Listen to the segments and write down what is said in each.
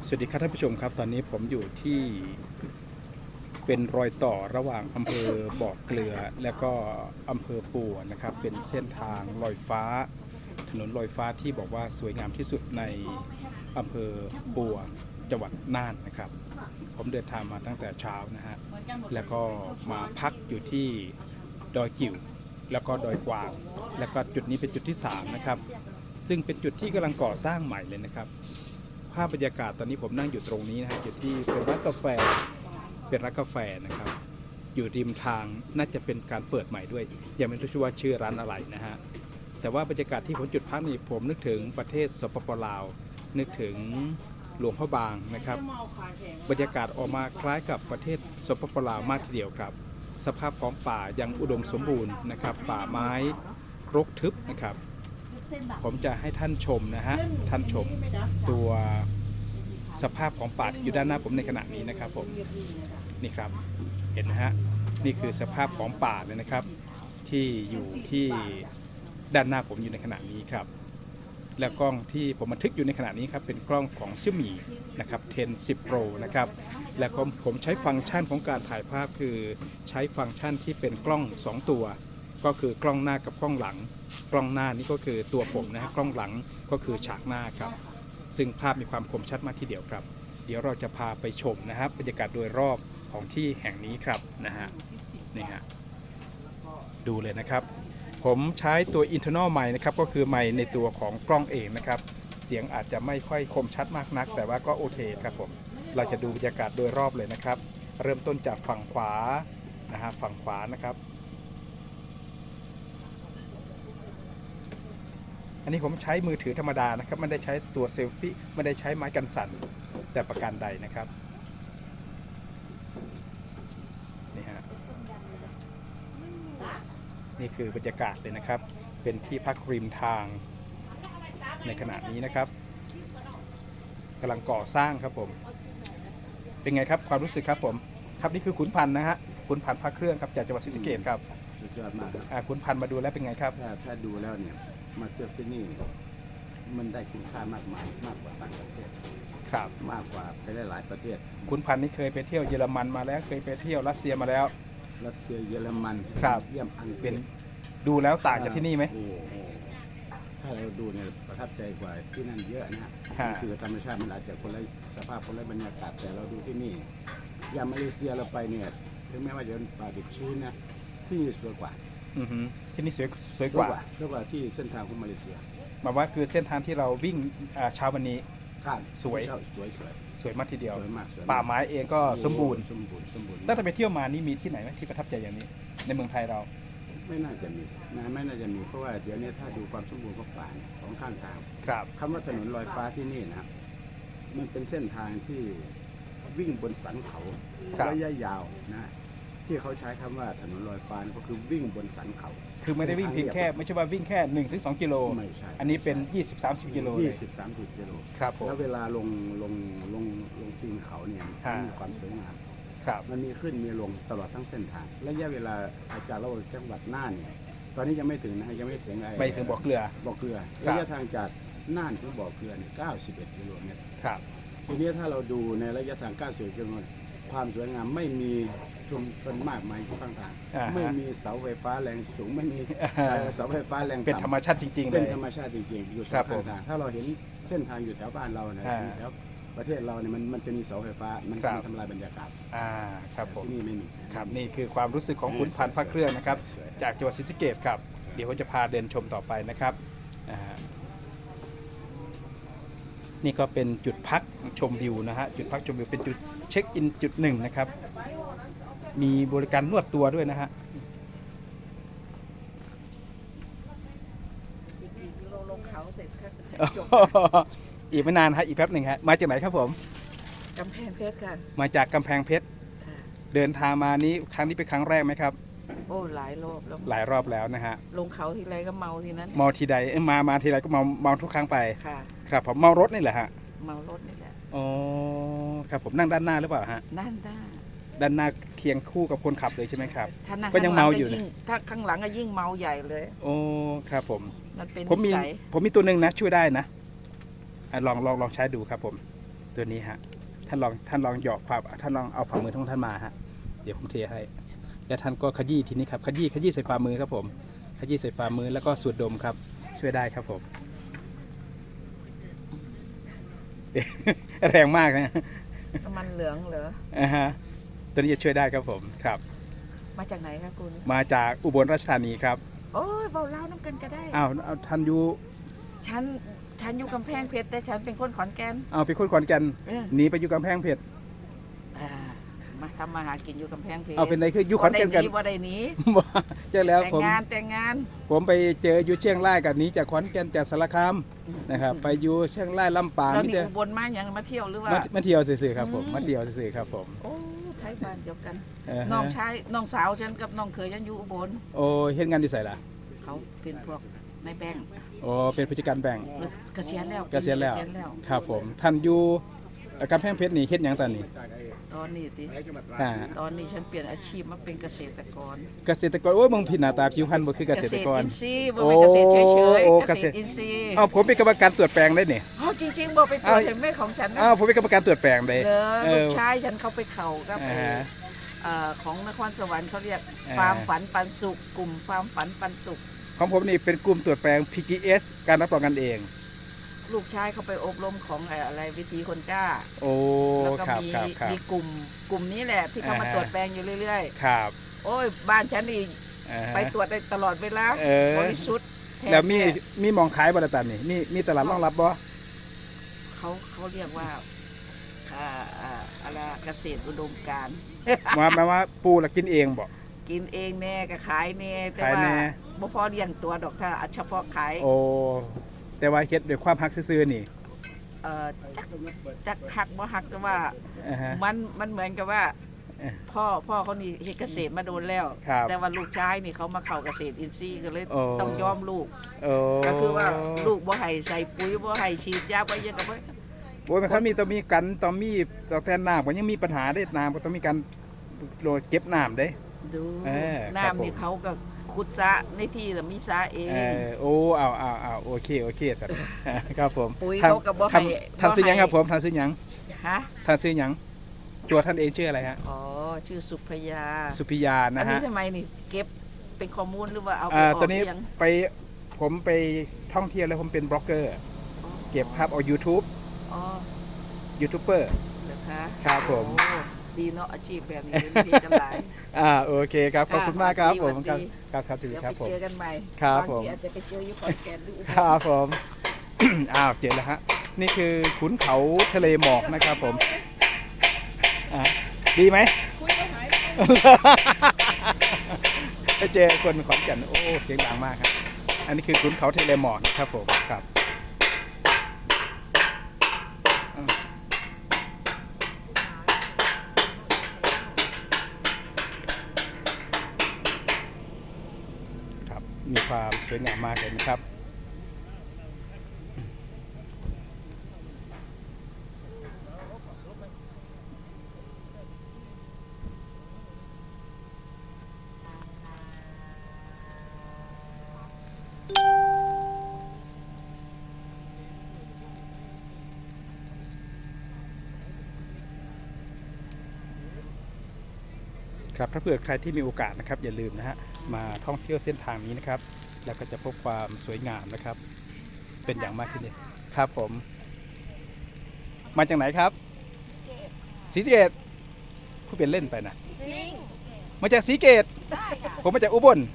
สวัสดีครับท่านผู้ชมครับตอนนี้ผมอยู่ที่เป็นรอยต่อระหว่างอำเภอบ่อเกลือและก็อำเภอปัวนะครับเป็นเส้นทางลอยฟ้าถนนลอยฟ้าที่บอกว่าสวยงามที่สุดในอำเภอปัวจังหวัดน่านนะครับผมเดินทางมาตั้งแต่เช้านะฮะแล้วก็มาพักอยู่ที่ดอยกิ่วแล้วก็ดอยกวางแล้วก็จุดนี้เป็นจุดที่3นะครับซึ่งเป็นจุดที่กำลังก่อสร้างใหม่เลยนะครับภาพบรรยากาศตอนนี้ผมนั่งอยู่ตรงนี้นะฮะจุดที่เป็นร้านกาแฟนะครับอยู่ริมทางน่าจะเป็นการเปิดใหม่ด้วยยังไม่รู้ว่าชื่อร้านอะไรนะฮะแต่ว่าบรรยากาศที่ผมจุดพักนี่ผมนึกถึงประเทศสปป.ลาวนึกถึงหลวงพ่อบางนะครับบรรยากาศออกมาคล้ายกับประเทศสปป.ลาวมากทีเดียวครับสภาพของป่ายังอุดมสมบูรณ์นะครับป่าไม้รกทึบนะครับผมจะให้ท่านชมนะฮะท่านชมตัวสภาพของป่าที่อยู่ด้านหน้าผมในขณะนี้นะครับผมนี่ครับเห็นนะฮะนี่คือสภาพของป่าเลยนะครับที่อยู่ที่ด้านหน้าผมอยู่ในขณะนี้ครับและกล้องที่ผมบันทึกอยู่ในขณะนี้ครับเป็นกล้องของซิมี่นะครับ10 Pro นะครับและผมใช้ฟังก์ชันของการถ่ายภาพคือใช้ฟังก์ชันที่เป็นกล้อง2ตัวก็คือกล้องหน้ากับกล้องหลังกล้องหน้านี่ก็คือตัวผมนะฮะกล้องหลังก็คือฉากหน้าครับซึ่งภาพมีความคมชัดมากทีเดียวครับเดี๋ยวเราจะพาไปชมนะครับบรรยากาศโดยรอบของที่แห่งนี้ครับนะฮะนี่ฮะดูเลยนะครับผมใช้ตัว internal mic นะครับก็คือไมค์ในตัวของกล้องเองนะครับเสียงอาจจะไม่ค่อยคมชัดมากนักแต่ว่าก็โอเคครับผมเราจะดูบรรยากาศโดยรอบเลยนะครับเริ่มต้นจากฝั่งขวานะฮะฝั่งขวานะครับอันนี้ผมใช้มือถือธรรมดานะครับไม่ได้ใช้ตัวเซลฟี่ไม่ได้ใช้ไม้กันสั่นแต่ประการใดนะครับนี่ฮะนี่คือบรรยากาศเลยนะครับเป็นที่พักริมทางในขณะนี้นะครับกำลังก่อสร้างครับผมเป็นไงครับความรู้สึกครับผมครับนี่คือขุนพันธ์นะฮะขุนพันธ์พระเครื่องครับจากจังหวัดศรีสะเกษครับสุดยอดมากครับขุนพันธ์มาดูแล้วเป็นไงครับถ้าดูแล้วเนี่ยมาเที่ยวที่นี่มันได้คุณค่ามากมายมากกว่าต่างประเทศครับมากกว่าไปหลายประเทศขุนพันธ์นี่เคยไปเที่ยวเยอรมันมาแล้วเคยไปเที่ยวรัสเซียมาแล้วรัสเซียเยอรมันครับเยี่ยมอังกฤเป็นษดูแล้วต่างจากที่นี่ไหมโอ้โหถ้าเราดูเนี่ยประทับใจกว่าที่นั่นเยอะนะฮะคือธรรมชาติมันอาจจะคนละสภาพคนละบรรยากาศแต่เราดูที่นี่อย่างมาเลเซียเราไปเนี่ยถึงแม้ว่าจะเป็นป่าดิบชื้นนะที่นี่สวยกว่าที่นี่สวยกว่าที่เส้นทางของมาเลเซียหมายว่าคือเส้นทางที่เราวิ่งเช้าวันนี้สวยมากทีเดียวป่าไม้เองก็สมบูรณ์ตั้งแต่ไปเที่ยวมานี่มีที่ไหนไหมที่ประทับใจอย่างนี้ในเมืองไทยเราไม่น่าจะมีเพราะว่าเดี๋ยวนี้ถ้าดูความสมบูรณ์ของป่าของข้างทางครับคำว่าถนนลอยฟ้าที่นี่นะครับมันเป็นเส้นทางที่วิ่งบนสันเขาระยะยาวนะที่เขาใช้คำว่าถนนลอยฟ้าก็คือวิ่งบนสันเขาคือไม่ได้วิ่งเพียงแค่ไม่ใช่ว่าวิ่งแค่1-2 กิโลไม่ใช่อันนี้เป็น20-30 กิโล 20-30 กิโลครับผมแล้วเวลาลงตีนเขาเนี่ยมีความสวยงามมันมีขึ้นมีลงตลอดทั้งเส้นทางระยะเวลาอาจารย์เราจังหวัดน่านเนี่ยตอนนี้ยังไม่ถึงนะยังไม่ถึงไปถึงบ่อเกลือระยะทางจากน่านถึงบ่อเกลือเนี่ย91 กิโลเมตรครับทีนี้ถ้าเราดูในระยะทาง91 กิโลเมตรความสวยงามไม่มีชุมชนมากมายอยู่ข้างทางไม่มีเสาไฟฟ้าแรงสูงไม่มีเสาไฟฟ้าแรงต่ำเป็นธรรมชาติจริงๆเลยเป็นธรรมชาติจริงๆอยู่สองข้างทางถ้าเราเห็นเส้นทางอยู่แถวบ้านเรานะแถวประเทศเราเนี่ยมันจะมีเสาไฟฟ้ามันทำลายบรรยากาศครับผมที่นี่ไม่มีครับนี่คือความรู้สึกของขุนพันธ์พระเครื่องนะครับจากจังหวัดศรีสะเกษครับเดี๋ยวผมจะพาเดินชมต่อไปนะครับนี่ก็เป็นจุดพักชมวิวนะฮะจุดพักชมวิวเป็นจุดเช็คอินจุดหนึ่งนะครับมีบริการนวดตัวด้วยนะฮะอีกไม่นานฮะอีกแป๊บหนึ่งฮะมาจากไหนครับผมกำแพงเพชรค่ะมาจากกำแพงเพชรเดินทางมานี้ครั้งนี้เป็นครั้งแรกไหมครับโอ้หลายรอบแล้วนะฮะลงเขาทีไรก็เมาทีนั้นเมาทีใดมาทีไรก็เมาทุกครั้งไปค่ะครับผมเมารถนี่แหละฮะเมารถนี่แหละอ๋อครับผมนั่งด้านหน้าหรือเปล่าฮะด้านหน้าเคียงคู่กับคนขับเลยใช่ไหมครับก็ยังเมาอยู่ถ้าข้างหลังก็ยิ่งเมาใหญ่เลยโอ้ครับผมมันเป็นผมมีตัวหนึ่งนะช่วยได้นะลองใช้ดูครับผมตัวนี้ฮะท่านลองหยอกฝ่าท่านลองเอาฝ่ามือของท่านมาฮะเดี๋ยวผมเทให้แล้วท่านก็ขยี้ทีนี้ครับขยี้ใส่ฝ่ามือครับผมขยี้ใส่ฝ่ามือแล้วก็สูดดมครับช่วยได้ครับผม แรงมากนะน้ำมันเหลืองเหรอฮะตัวนี้จะช่วยได้ครับผมครับมาจากไหนคะคุณมาจากอุบลราชธานีครับโอ้ยเบาเล่าน้ำกันก็ได้อ้าวท่านอยู่ฉันอยู่กำแพงเพชรแต่ฉันเป็นคนขอนแก่นเอาไปคนขอนแก่นเออหนีไปอยู่กำแพงเพชรอ่ามาทำมาหากินอยู่กำแพงเพชรเอาเป็นไรคืออยู่ขอนแก่นกันบ่ได้หนีใช่แล้วแต่งผมงานผมไปเจออยู่เชียงรายกับนี้จากขอนแก่นจากสารคามนะครับไปอยู่เชียงรายลำปางแล้วนี่นี่จะอุบลมาอย่างมาเที่ยวหรือว่ามาเที่ยวซื่อๆครับผมอืมมาเที่ยวซื่อๆครับผมโอ้ไทยบ้านเดียวกันฮะน้องสาวฉันกับน้องเขยฉันอยู่อุบลโอ้เฮ็ดงานที่ไสล่ะเขาเป็นพวกในแบงค์โอ้เป็นผู้จัดการแบงค์หรือเกษียณแล้วเกษียณแล้วครับผมท่านอยู่กำแพงเพชรนี่เฮ็ดหยังตอนนี้ตอนนี้ติอ่าตอนนี้ฉันเปลี่ยนอาชีพมาเป็นเกษตรกรเกษตรกรโอ้ยมึงผิดหน้าตาผิวพรรณบ่คือเกษตรกรอินทรีย์บ่เป็นเกษตรเฉยโอ้ๆเกษตรอินทรีย์อ้าวผมเป็นกรรมการตรวจแปลงได้นี่เอาจริงๆบอกไปตรวจเห็นไหมของฉันนะอ้าวผมเป็นกรรมการตรวจแปลงได้เลเอยลูอกชายฉันเข้าไปเข่ากับอ่าฮะของนครสวรรค์เขาเรียกอ่าฟาร์มฝันปันสุขกลุ่มฟาร์มฝันปันสุขของผมนี่เป็นกลุ่มตรวจแปลง PGS การรับรองกันเองลูกชายเขาไปอบรมของอะไรวิธีคนกล้าโอ้แล้วก็ครับมีครับครับมีกลุ่มนี้แหละที่เขามาอ่าฮะตรวจแปลงอยู่เรื่อยครับๆ โอ้ยบ้านฉันนี่อ่าฮะไปตรวจได้ตลอดเวลาเออบริสุทธิ์ท้แล้วมีท้มีหมองขายบริษัทนี่มีตลาดรองรับบ่เขาเรียกว่าอะไรเกษตรอุดมการณ์ว่าปูละกินเองบ่กินเองแน่ก็ขายแน่แต่ขายว่าแน่บ่พอเลี้ยงตัวดอกถ้าเฉพาะขายโอ้แต่ว่าเฮ็ดด้วยความฮักซื่อๆนี่จักหักบ่หักแต่ว่าอ่าฮะมันเหมือนกับว่าเอ๊ะพ่อเขานี่เฮ็ดเกษตรมาโดนแล้วครับแต่ว่าลูกชายนี่เขามาเข้าเกษตรอินทรีย์ก็เลยโอ้ต้องยอมลูกโอ้ก็คือว่าลูกบ่ให้ใส่ปุ๋ยบ่ให้ฉีดยาบ่ยังกับบ่โอ้ยมันเขามีต้องมีกันต้องมีต่อแทนน้ำก็ยังมีปัญหาได้น้ำก็ต้องมีการโหลดเก็บน้ำเด้ดูเออครับน้ำนี่ผมเขาก็ขุดจะในที่แต่มีสาเองโอ้เอาโอเคสัตว์ ครับผมปุ๋ยท่นเขาก็บ่ให้ท่านซื้อหยังบ่ให้ครับผมท่านซื้อหยังฮะท่านซื้อหยังตัวท่านเองชื่ออะไรฮะอ๋อชื่อสุพยาสุพิยาอันะนนี้ฮะทำไมนี่เก็บเป็นข้อมูลหรือว่าเอาไปออกตอนนี้เลี้ยงผมไปท่องเที่ยวแล้วผมเป็นบล็อกเกอร์ เก็บภาพเอา YouTube อ๋อยูทูบเบอร์เหรอคะครับผมโอ้ดีเนาะอาชีพแบบนี้ดีกันหลายโอเคครับขอบคุณมากครับผมสวัสครับดีครับครับเดี๋ยวครับไปผมเจอกันใหม่ครับางผมทีอาจจะไปเจออยู่ขอนแก่นหรืออุบลครับผม เจอแล้วฮะนี่คือขุนเขาทะเลหมอกนะครับผมดีไหม ไปเจอคนขอนแก่นโอ้เสียงดังมากครับอันนี้คือขุนเขาทะเลหมอกนะครับผมครับครับมีความสวยงามมากเลยนะครับครับถ้าเผื่อใครที่มีโอกาสนะครับอย่าลืมนะฮะมาท่องเที่ยวเส้นทางนี้นะครับแล้วก็จะพบความสวยงามนะครับเป็นอย่างมากที่นี่ครับผมมาจากไหนครับศรีสะเกษผู้เป็นเล่นไปนะจริงมาจากศรีสะเกษได้ค่ะผมมาจากอุบล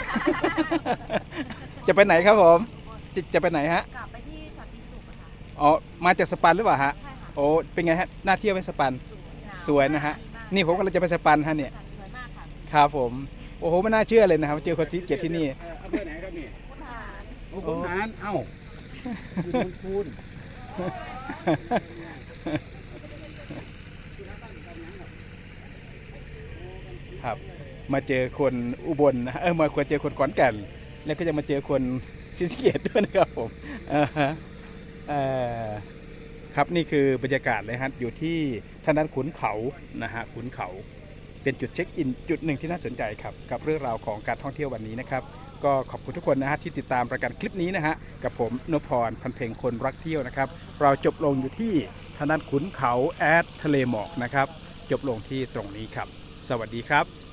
จะไปไหนครับผมจะไปไหนฮะกลับไปที่สันติสุขอะค่ะอ๋อมาจากสปันหรือเปล่าฮะใช่ค่ะโอ้เป็นไงฮะน่าเที่ยวไหมสปันหาวสวยนะฮะ นี่ผมกำลังจะไปสปันฮะเนี่ยสวยมากค่ะครับผมโอ้โหไม่น่าเชื่อเลยนะครับเจอคนศรีสะเกษที่นี่อำเภอไหนครับนี่คุณหารโอ้คุณหารเอ้าอยู่ตรงคูนครับมาเจอคนอุบลนะฮะมาเจอคนขอนแก่นแล้วก็จะมาเจอคนศรีสะเกษด้วยนะครับผมฮะครับนี่คือบรรยากาศเลยฮะอยู่ที่ทางด้านขุนเขานะฮะขุนเขาเป็นจุดเช็คอินจุดหนึ่งที่น่าสนใจครับกับเรื่องราวของการท่องเที่ยววันนี้นะครับก็ขอบคุณทุกคนนะฮะที่ติดตามรายการคลิปนี้นะฮะกับผมนพพรพันเพ็งคนรักเที่ยวนะครับเราจบลงอยู่ที่ทางด้านขุนเขาแอดทะเลหมอกนะครับจบลงที่ตรงนี้ครับ สวัสดีครับ